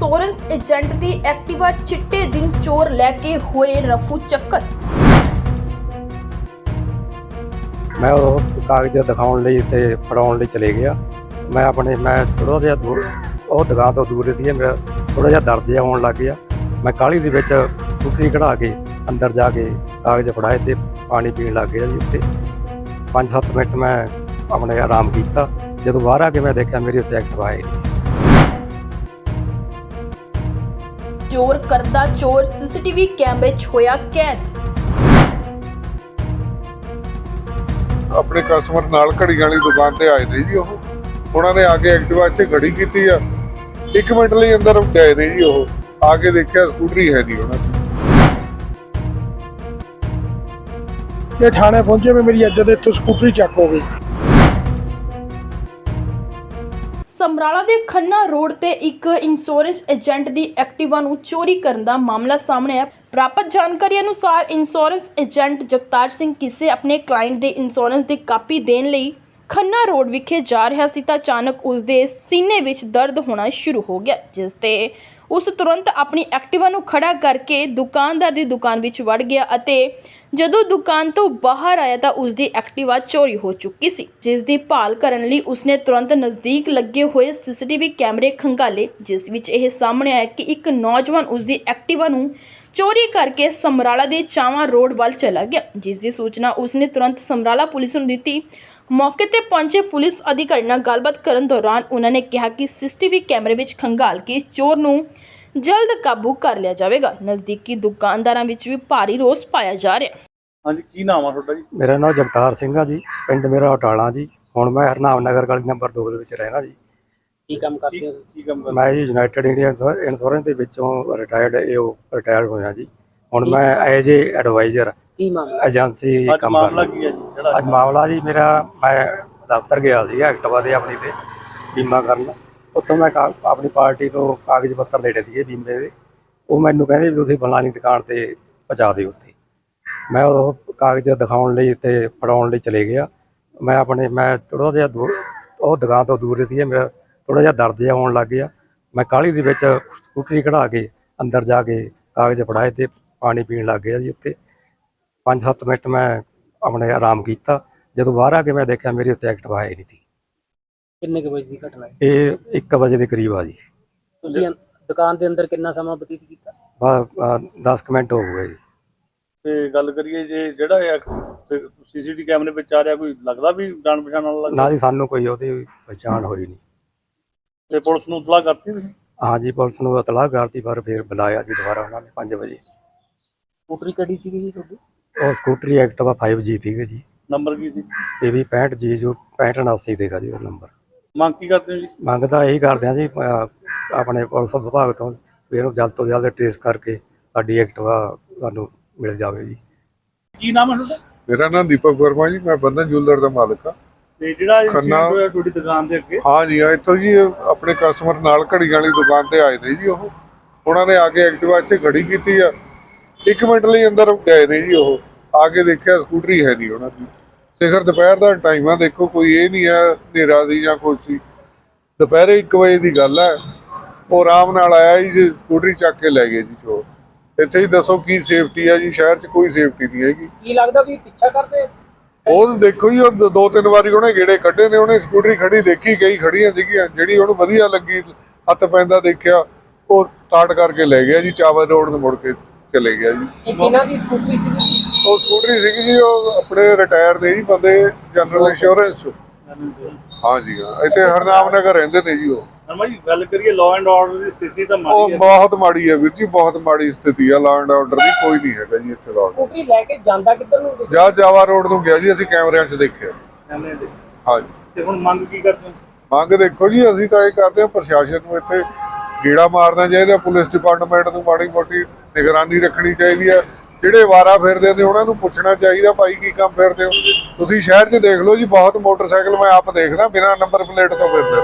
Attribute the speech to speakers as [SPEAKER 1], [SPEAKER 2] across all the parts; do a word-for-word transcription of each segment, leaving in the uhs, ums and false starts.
[SPEAKER 1] Insurance agent दी Activa चिट्टे दिन चोर लैके हुए रफू चक्कर।
[SPEAKER 2] मैं वो कागज दिखाने ਲਈ ਤੇ ਫੜਾਉਣ ਲਈ ਚਲੇ ਗਿਆ। ਮੈਂ ਆਪਣੇ ਮੈਂ ਥੋੜਾ ਜਿਹਾ ਦੂਰ ਉਹ ਦੁਕਾਨ ਤੋਂ ਦੂਰ ਸੀ, ਮੇਰਾ ਥੋੜਾ ਜਿਹਾ ਦਰਦ ਜਿਹਾ ਹੋਣ ਲੱਗ ਗਿਆ। ਮੈਂ ਕਾਹਲੀ ਦੇ ਵਿੱਚ ਟੁੱਟੀ ਕਢਾ ਕੇ ਅੰਦਰ ਜਾ ਕੇ ਕਾਗਜ਼ ਫੜਾਏ ਤੇ ਪਾਣੀ ਪੀਣ ਲੱਗ ਗਿਆ ਜੀ। ਉੱਤੇ ਪੰਜ ਸੱਤ ਮਿੰਟ ਮੈਂ ਆਪਣੇ ਆਰਾਮ ਕੀਤਾ। ਜਦੋਂ ਬਾਹਰ ਆ ਕੇ ਮੈਂ ਦੇਖਿਆ ਮੇਰੇ ਉੱਤੇ ਐਕਟਿਵਾ ਆਈ।
[SPEAKER 1] चोर करदा चोर सीसीटीवी कैमरे च होया कैद।
[SPEAKER 3] ਆਪਣੇ ਕਸਟਮਰ ਨਾਲ ਘੜੀਆਂ ਵਾਲੀ ਦੁਕਾਨ ਤੇ ਆਏ ਨੇ ਜੀ। ਉਹ ਉਹਨਾਂ ਨੇ ਆ ਕੇ ਐਕਟਿਵਾ ਇੱਥੇ ਖੜੀ ਕੀਤੀ ਆ। ਇੱਕ ਮਿੰਟ ਲਈ ਅੰਦਰ ਗਏ ਨੇ ਜੀ। ਉਹ ਆ ਕੇ ਦੇਖਿਆ ਸਕੂਟਰੀ ਹੈ ਨਹੀਂ ਉਹਨਾਂ ਦੀ।
[SPEAKER 4] ਇਹ ਥਾਣੇ ਪਹੁੰਚੇ ਵੀ ਮੇਰੀ ਇੱਜ਼ਤ ਇੱਥੋਂ ਸਕੂਟਰੀ ਚੱਕ ਹੋ ਗਈ।
[SPEAKER 1] ਸਮਰਾਲਾ ਦੇ ਖੰਨਾ ਰੋਡ ਤੇ ਇੱਕ ਇੰਸ਼ੋਰੈਂਸ ਏਜੰਟ ਦੀ ਐਕਟਿਵਾ ਨੂੰ ਚੋਰੀ ਕਰਨ ਦਾ ਮਾਮਲਾ ਸਾਹਮਣੇ ਆਇਆ। ਪ੍ਰਾਪਤ ਜਾਣਕਾਰੀ ਅਨੁਸਾਰ ਇੰਸ਼ੋਰੈਂਸ ਏਜੰਟ ਜਗਤਾਰ ਸਿੰਘ ਕਿਸੇ ਆਪਣੇ ਕਲਾਇੰਟ ਦੇ ਇੰਸ਼ੋਰੈਂਸ ਦੀ ਕਾਪੀ ਦੇਣ ਲਈ ਖੰਨਾ ਰੋਡ ਵਿਖੇ ਜਾ ਰਿਹਾ ਸੀ ਤਾਂ ਅਚਾਨਕ ਉਸ ਦੇ ਸੀਨੇ ਵਿੱਚ ਦਰਦ ਹੋਣਾ ਸ਼ੁਰੂ ਹੋ ਗਿਆ, ਜਿਸ ਤੇ ਉਸ ਤੁਰੰਤ ਆਪਣੀ ਐਕਟਿਵਾ ਨੂੰ ਖੜਾ ਕਰਕੇ ਦੁਕਾਨਦਾਰ ਦੀ ਦੁਕਾਨ ਵਿੱਚ ਵੜ ਗਿਆ ਅਤੇ ਜਦੋਂ ਦੁਕਾਨ ਤੋਂ ਬਾਹਰ ਆਇਆ ਤਾਂ ਉਸ ਦੀ ਐਕਟਿਵਾ ਚੋਰੀ ਹੋ ਚੁੱਕੀ ਸੀ, ਜਿਸ ਦੀ ਭਾਲ ਕਰਨ ਲਈ ਉਸਨੇ ਤੁਰੰਤ ਨਜ਼ਦੀਕ ਲੱਗੇ ਹੋਏ ਸੀਸੀਟੀਵੀ ਕੈਮਰੇ ਖੰਗਾਲੇ, ਜਿਸ ਵਿੱਚ ਇਹ ਸਾਹਮਣੇ ਆਇਆ ਕਿ ਇੱਕ ਨੌਜਵਾਨ ਉਸ ਦੀ ਐਕਟਿਵਾ ਨੂੰ ਚੋਰੀ ਕਰਕੇ ਸਮਰਾਲਾ ਦੇ ਚਾਵਾ ਰੋਡ ਵੱਲ ਚਲਾ ਗਿਆ, ਜਿਸ ਦੀ ਸੂਚਨਾ ਉਸਨੇ ਤੁਰੰਤ ਸਮਰਾਲਾ ਪੁਲਿਸ ਨੂੰ ਦਿੱਤੀ। ਮੌਕੇ ਤੇ ਪਹੁੰਚੇ ਪੁਲਿਸ ਅਧਿਕਾਰੀ ਨਾਲ ਗੱਲਬਾਤ ਕਰਨ ਦੌਰਾਨ ਉਹਨਾਂ ਨੇ ਕਿਹਾ ਕਿ ਸੀਸੀਟੀਵੀ ਕੈਮਰੇ ਵਿੱਚ ਖੰਗਾਲ ਕੇ ਚੋਰ ਨੂੰ ਜਲਦ ਕਾਬੂ ਕਰ ਲਿਆ ਜਾਵੇਗਾ। ਨਜ਼ਦੀਕੀ ਦੁਕਾਨਦਾਰਾਂ ਵਿੱਚ ਵੀ ਭਾਰੀ ਰੋਸ ਪਾਇਆ ਜਾ ਰਿਹਾ।
[SPEAKER 5] ਹਾਂਜੀ, ਕੀ ਨਾਮ ਆ ਤੁਹਾਡਾ ਜੀ?
[SPEAKER 2] ਮੇਰਾ ਨਾਮ ਜਗਤਾਰ ਸਿੰਘ ਆ ਜੀ। ਪਿੰਡ ਮੇਰਾ ਅਟਾਲਾ ਜੀ। ਹੁਣ ਮੈਂ ਹਰਨਾਮ ਨਗਰ ਗਲੀ ਨੰਬਰ ਦੋ ਦੇ ਵਿੱਚ ਰਹਿਣਾ ਜੀ।
[SPEAKER 5] ਕੀ ਕੰਮ ਕਰਦੇ ਹੋ? ਕੀ ਕੰਮ ਕਰਦੇ?
[SPEAKER 2] ਮੈਂ ਜੀ ਯੂਨਾਈਟਿਡ ਇੰਡੀਆ ਇੰਸ਼ੋਰੈਂਸ ਦੇ ਵਿੱਚੋਂ ਰਿਟਾਇਰਡ ਏਓ ਰਿਟਾਇਰ ਹੋਇਆ ਜੀ। ਹੁਣ ਮੈਂ ਐਜ ਏ ਐਡਵਾਈਜ਼ਰ
[SPEAKER 5] ਕੀ ਮਾਮਲਾ
[SPEAKER 2] ਏਜੰਸੀ ਕੰਮ
[SPEAKER 5] ਮਾਮਲਾ
[SPEAKER 2] ਕਰਦਾ।
[SPEAKER 5] ਕੀ ਹੈ ਜੀ ਜਿਹੜਾ
[SPEAKER 2] ਅੱਜ ਮਾਮਲਾ ਜੀ ਮੇਰਾ, ਮੈਂ ਦਫ਼ਤਰ ਗਿਆ ਸੀ ਐਕਟਿਵਾ ਦੇ ਆਪਣੀ ਤੇ ਬੀਮਾ ਕਰਨ। ਉੱਥੋਂ ਮੈਂ ਕਾ ਆਪਣੀ ਪਾਰਟੀ ਤੋਂ ਕਾਗਜ਼ ਪੱਤਰ ਲੈਣੇ ਸੀਗੇ ਬੀਮੇ ਦੇ। ਉਹ ਮੈਨੂੰ ਕਹਿੰਦੇ ਵੀ ਤੁਸੀਂ ਫਲਾਣੀ ਦੁਕਾਨ ਤੇ ਪਹੁੰਚਾ ਦਿਓ। ਉੱਥੇ ਮੈਂ ਉਹ ਕਾਗਜ਼ ਦਿਖਾਉਣ ਲਈ ਤੇ ਫੜਾਉਣ ਲਈ ਚਲੇ ਗਿਆ। ਮੈਂ ਆਪਣੇ ਮੈਂ ਥੋੜਾ ਜਿਹਾ ਦੂਰ ਉਹ ਦੁਕਾਨ ਤੋਂ ਦੂਰ ਸੀ, ਮੇਰਾ ਥੋੜਾ ਜਿਹਾ ਦਰਦ ਜਿਹਾ ਹੋਣ ਲੱਗ ਗਿਆ। ਮੈਂ ਕਾਹਲੀ ਦੇ ਵਿੱਚ ਸਕੂਟਰੀ ਕਢਾ ਕੇ ਅੰਦਰ ਜਾ ਕੇ ਕਾਗਜ਼ ਫੜਾਏ ਤੇ ਪਾਣੀ ਪੀਣ ਲੱਗ ਗਿਆ ਜੀ। ਉੱਤੇ ਪੰਜ ਸੱਤ ਮਿੰਟ ਮੈਂ ਆਪਣੇ ਆਰਾਮ ਕੀਤਾ। ਜਦੋਂ ਬਾਹਰ ਆ ਕੇ ਮੈਂ ਦੇਖਿਆ ਮੇਰੇ ਉੱਤੇ ਐਕਟਿਵਾ ਆਈ ਨਹੀਂ ਸੀ।
[SPEAKER 5] ਕਿੰਨੇ ਕੁ ਵਜੇ ਦੀ ਘਟਨਾ ਹੈ?
[SPEAKER 2] ਇਹ ਇੱਕ ਵਜੇ ਦੇ ਕਰੀਬ ਆ ਜੀ।
[SPEAKER 5] ਤੁਸੀਂ ਅੰ- ਦੁਕਾਨ ਦੇ ਅੰਦਰ ਕਿੰਨਾ ਸਮਾਂ ਬਤੀਤ ਕੀਤਾ?
[SPEAKER 2] ਬਸ ਦਸ ਕੁ ਮਿੰਟ ਹੋ ਗਏ ਜੀ।
[SPEAKER 5] ਤੇ ਗੱਲ ਕਰੀਏ ਜੇ ਜਿਹੜਾ ਸੀਸੀਟੀਵੀ ਕੈਮਰੇ ਵਿੱਚ ਆ ਰਿਹਾ, ਕੋਈ ਲੱਗਦਾ ਵੀ ਜਾਣ ਪਛਾਣ ਵਾਲਾ
[SPEAKER 2] ਨਾ
[SPEAKER 5] ਲੱਗਦਾ?
[SPEAKER 2] ਜੀ ਸਾਨੂੰ ਕੋਈ ਉਹਦੀ ਪਛਾਣ ਹੋਈ ਨਹੀਂ।
[SPEAKER 5] ਤੇ ਪੁਲਿਸ ਨੂੰ ਇਤਲਾਹ ਕਰਤੀ ਤੁਸੀਂ?
[SPEAKER 2] ਹਾਂਜੀ, ਪੁਲਿਸ ਨੂੰ ਇਤਲਾਹ ਕਰਤੀ, ਪਰ ਫਿਰ ਬੁਲਾਇਆ ਜੀ ਦੁਬਾਰਾ ਉਹਨਾਂ ਨੇ ਪੰਜ ਵਜੇ।
[SPEAKER 5] ਸਕੂਟਰੀ ਕਿਹੜੀ ਸੀਗੀ ਜੀ ਤੁਹਾਡੀ?
[SPEAKER 2] ਉਹ ਸਕੂਟਰੀ ਐਕਟਿਵਾ ਫਾਈਵ ਜੀ ਸੀਗੇ ਜੀ।
[SPEAKER 5] ਨੰਬਰ ਕੀ ਸੀ?
[SPEAKER 2] ਇਹ ਵੀ ਪੈਂਹਠ ਜੀ ਜੋ ਪੈਂਹਠ ਉਨਾਸੀ ਦੇਗਾ ਜੀ ਉਹ ਨੰਬਰ।
[SPEAKER 5] ਮੰਗ ਕੀ ਕਰਦੇ ਹੋ ਜੀ?
[SPEAKER 2] ਮੰਗਦਾ ਇਹੀ ਕਰਦੇ ਹਾਂ ਜੀ ਅਹ ਆਪਣੇ ਪੁਲਿਸ ਵਿਭਾਗ ਤੋਂ ਵੀ ਇਹਨੂੰ ਜਲਦ ਤੋਂ ਜਲਦ ਟ੍ਰੇਸ ਕਰਕੇ ਸਾਡੀ ਐਕਟਿਵਾ ਸਾਨੂੰ ਮਿਲ ਜਾਵੇ ਜੀ।
[SPEAKER 5] ਕੀ ਨਾਮ ਹੈ ਤੁਹਾਡਾ?
[SPEAKER 3] ਮੇਰਾ ਨਾਮ ਦੀਪਕ ਵਰਮਾ ਜੀ। ਮੈਂ ਬੰਧਨ ਜੁਐਲਰ ਦਾ ਮਾਲਕ ਆ।
[SPEAKER 5] ਤੇ ਜਿਹੜਾ
[SPEAKER 3] ਖੰਨਾ
[SPEAKER 5] incident ਹੋਇਆ ਤੁਹਾਡੀ ਦੁਕਾਨ ਦੇ ਅੱਗੇ,
[SPEAKER 3] ਹਾਂ ਜੀ, ਆ ਇੱਥੋਂ ਜੀ ਆਪਣੇ ਕਸਟਮਰ ਨਾਲ ਘੜੀਆਂ ਵਾਲੀ ਦੁਕਾਨ ਤੇ ਆਏ ਨੇ ਜੀ। ਉਹ ਉਹਨਾਂ ਨੇ ਆ ਕੇ ਐਕਟਿਵਾ ਇੱਥੇ ਖੜੀ ਕੀਤੀ ਆ। ਇੱਕ ਮਿੰਟ ਲਈ ਅੰਦਰ ਗਏ ਨੇ ਜੀ। ਉਹ ਆ ਕੇ ਦੇਖਿਆ ਸਕੂਟਰੀ ਹੈ ਨਹੀਂ ਉਹਨਾਂ ਦੀ। ਸਿਖਰ ਦੁਪਹਿਰ ਦਾ ਟਾਈਮ ਆ, ਦੇਖੋ ਕੋਈ ਇਹ ਨਹੀਂ ਹੈ ਹਨੇਰਾ ਦੀ ਜਾਂ ਕੁਛ ਸੀ। ਦੁਪਹਿਰੇ ਇੱਕ ਵਜੇ ਦੀ ਗੱਲ ਹੈ। ਉਹ ਆਰਾਮ ਨਾਲ ਆਇਆ ਜੀ, ਸਕੂਟਰੀ ਚੱਕ ਕੇ ਲੈ ਗਏ ਜੀ ਚੋਰ। ਇੱਥੇ ਹੀ ਦੱਸੋ ਕੀ ਸੇਫਟੀ ਆ ਜੀ? ਸ਼ਹਿਰ 'ਚ ਕੋਈ ਸੇਫਟੀ ਨਹੀਂ ਹੈਗੀ।
[SPEAKER 5] ਕੀ ਲੱਗਦਾ ਵੀ ਪਿੱਛਾ ਕਰਦੇ?
[SPEAKER 3] ਉਹ ਦੇਖੋ ਜੀ, ਉਹ ਦੋ ਤਿੰਨ ਵਾਰੀ ਉਹਨੇ ਗੇੜੇ ਕੱਢੇ ਨੇ। ਉਹਨੇ ਸਕੂਟਰੀ ਖੜੀ ਦੇਖੀ, ਕਈ ਖੜੀਆਂ ਸੀਗੀਆਂ, ਜਿਹੜੀ ਉਹਨੂੰ ਵਧੀਆ ਲੱਗੀ, ਹੱਥ ਪੈਂਦਾ ਦੇਖਿਆ, ਉਹ ਸਟਾਰਟ ਕਰਕੇ ਲੈ ਗਿਆ ਜੀ। ਚਾਵਲ ਰੋਡ ਨੂੰ ਮੁੜ ਕੇ ਚਲੇ ਗਿਆ ਜੀ।
[SPEAKER 5] ਇਹ ਕਿਹਨਾਂ ਦੀ ਸਕੂਟਰੀ ਸੀ?
[SPEAKER 3] ਉਹ ਸਕੂਟਰੀ ਸੀਗੀ ਜੀ, ਉਹ ਆਪਣੇ ਰਿਟਾਇਰ ਦੇ ਜੀ ਬੰਦੇ, ਜਨਰਲ ਇੰਸ਼ੋਰੈਂਸ। ਹਾਂ ਜੀ, ਹਾਂ, ਇੱਥੇ ਹਰਨਾਮ ਨਗਰ ਰਹਿੰਦੇ ਨੇ ਜੀ ਉਹ।
[SPEAKER 5] ਨਰਮਾ ਜੀ, ਗੱਲ ਕਰੀਏ ਲਾਅ ਐਂਡ ਆਰਡਰ ਦੀ ਸਥਿਤੀ ਤਾਂ
[SPEAKER 3] ਉਹ
[SPEAKER 5] ਮਾੜੀ ਹੈ।
[SPEAKER 3] ਬਹੁਤ ਮਾੜੀ ਹੈ ਵੀਰ ਜੀ, ਬਹੁਤ ਮਾੜੀ ਸਥਿਤੀ ਆ। ਲਾਅ ਐਂਡ ਆਰਡਰ ਦੀ ਕੋਈ ਨਹੀਂ ਹੈਗਾ ਜੀ ਇੱਥੇ। ਲਾਅ
[SPEAKER 5] ਸਕੂਟਰੀ ਲੈ ਕੇ ਜਾਂਦਾ ਕਿੱਧਰ ਨੂੰ?
[SPEAKER 3] ਜਾ ਜਾਵਾ ਰੋਡ ਨੂੰ ਗਿਆ ਜੀ, ਅਸੀਂ ਕੈਮਰਿਆਂ 'ਚ ਦੇਖਿਆ।
[SPEAKER 5] ਕੈਮਰੇ ਦੇ।
[SPEAKER 3] ਹਾਂ ਜੀ,
[SPEAKER 5] ਤੇ ਹੁਣ ਮੰਗ ਕੀ ਕਰਦੇ ਹੋ?
[SPEAKER 3] ਮੰਗ ਦੇਖੋ ਜੀ, ਅਸੀਂ ਤਾਂ ਇਹ ਕਰਦੇ ਹਾਂ ਪ੍ਰਸ਼ਾਸਨ ਨੂੰ ਇੱਥੇ ਗੇੜਾ ਮਾਰਨਾ ਚਾਹੀਦਾ। ਪੁਲਿਸ ਡਿਪਾਰਟਮੈਂਟ ਨੂੰ ਮਾੜੀ ਮੋਟੀ ਨਿਗਰਾਨੀ ਰੱਖਣੀ ਚਾਹੀਦੀ ਹੈ। ਜਿਹੜੇ ਵਾਰਾ ਫਿਰਦੇ ਨੇ ਉਹਨਾਂ ਨੂੰ ਪੁੱਛਣਾ ਚਾਹੀਦਾ, ਭਾਈ ਕੀ ਕੰਮ ਫਿਰਦੇ ਹੋ ਤੁਸੀਂ? ਸ਼ਹਿਰ 'ਚ ਦੇਖ ਲਓ ਜੀ, ਬਹੁਤ ਮੋਟਰਸਾਈਕਲ ਮੈਂ ਆਪ ਦੇਖਦਾ ਬਿਨਾਂ ਨੰਬਰ ਪਲੇਟ ਤੋਂ ਫਿਰਦੇ।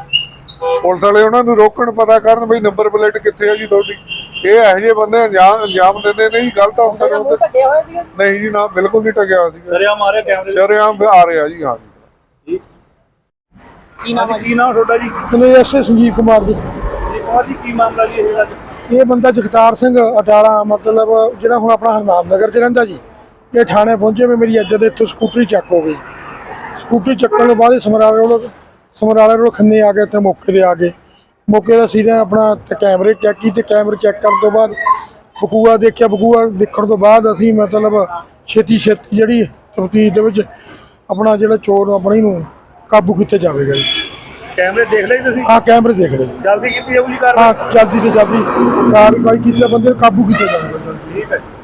[SPEAKER 3] ਪੁਲਿਸ ਵਾਲੇ ਉਹਨਾਂ ਨੂੰ ਰੋਕਣ, ਪਤਾ ਕਰਨ ਬਈ ਨੰਬਰ ਪਲੇਟ ਕਿੱਥੇ ਹੈ ਜੀ ਤੁਹਾਡੀ। ਇਹ ਇਹੋ ਜਿਹੇ ਬੰਦੇ ਅੰਜਾਮ ਅੰਜਾਮ ਦਿੰਦੇ ਨੇ ਜੀ ਗਲਤ ਅਫਸਰ ਹੁੰਦੇ। ਨਹੀਂ ਜੀ, ਨਾ ਬਿਲਕੁਲ ਨਹੀਂ ਟਕਿਆ ਸੀ।
[SPEAKER 5] ਸ਼ਰੇਆਮ ਆ ਰਿਹਾ ਕੈਮਰੇ?
[SPEAKER 3] ਸ਼ਰੇਆਮ ਆ ਰਿਹਾ ਜੀ। ਹਾਂ ਜੀ।
[SPEAKER 5] ਕੀ ਨਾਮ ਹੈ? ਕੀ ਨਾਮ ਤੁਹਾਡਾ ਜੀ?
[SPEAKER 4] ਮੈਨੂੰ ਐਸ ਸੰਜੀਵ ਕੁਮਾਰ ਜੀ।
[SPEAKER 5] ਜੀ ਕੀ ਮਾਮਲਾ ਜੀ ਇਹ ਜਿਹੜਾ
[SPEAKER 4] ਇਹ ਬੰਦਾ ਜਗਤਾਰ ਸਿੰਘ ਅਟਾਲਾ ਮਤਲਬ ਜਿਹੜਾ ਹੁਣ ਆਪਣਾ ਹਰਨਾਮ ਨਗਰ ਚ ਰਹਿੰਦਾ ਜੀ, ਇਹ ਥਾਣੇ ਪਹੁੰਚੇ ਵੀ ਮੇਰੀ ਇੱਜ਼ਤ ਇੱਥੋਂ ਸਕੂਟਰੀ ਚੱਕ ਹੋ ਗਈ। ਸਕੂਟਰੀ ਚੱਕਣ ਤੋਂ ਬਾਅਦ ਇਹ ਸਮਰਾਲੇ ਰੋਡ ਸਮਰਾਲੇ ਰੋਡ ਖੰਨੇ ਆ ਗਏ ਤੇ ਮੌਕੇ ਤੇ ਆ ਗਏ। ਮੌਕੇ ਦਾ ਅਸੀਂ ਨੇ ਆਪਣਾ ਤੇ ਕੈਮਰੇ ਚੈੱਕ ਕੀਤੇ, ਕੈਮਰੇ ਚੈੱਕ ਕਰਨ ਤੋਂ ਬਾਅਦ ਬਕੂਆ ਦੇਖਿਆ। ਬਕੂਆ ਦੇਖਣ ਤੋਂ ਬਾਅਦ ਅਸੀਂ ਮਤਲਬ ਛੇਤੀ ਛੇਤੀ ਜਿਹੜੀ ਤਫਤੀਸ਼ ਦੇ ਵਿੱਚ ਆਪਣਾ ਜਿਹੜਾ ਚੋਰ ਆਪਣੀ ਨੂੰ ਕਾਬੂ ਕੀਤਾ ਜਾਵੇਗਾ ਜੀ।
[SPEAKER 5] ਕੈਮਰੇ ਦੇਖ ਲਏ ਤੁਸੀਂ?
[SPEAKER 4] ਹਾਂ ਕੈਮਰੇ ਦੇਖ ਲਏ।
[SPEAKER 5] ਜਲਦੀ ਕੀਤੀ ਜਾਊਗੀ ਕਾਰ?
[SPEAKER 4] ਹਾਂ ਜਲਦੀ ਤੋਂ ਜਲਦੀ ਕਾਰਵਾਈ ਕੀਤੀ ਬੰਦੇ ਨੂੰ ਕਾਬੂ ਕੀਤਾ ਜਾਵੇਗਾ।
[SPEAKER 5] ਠੀਕ ਹੈ।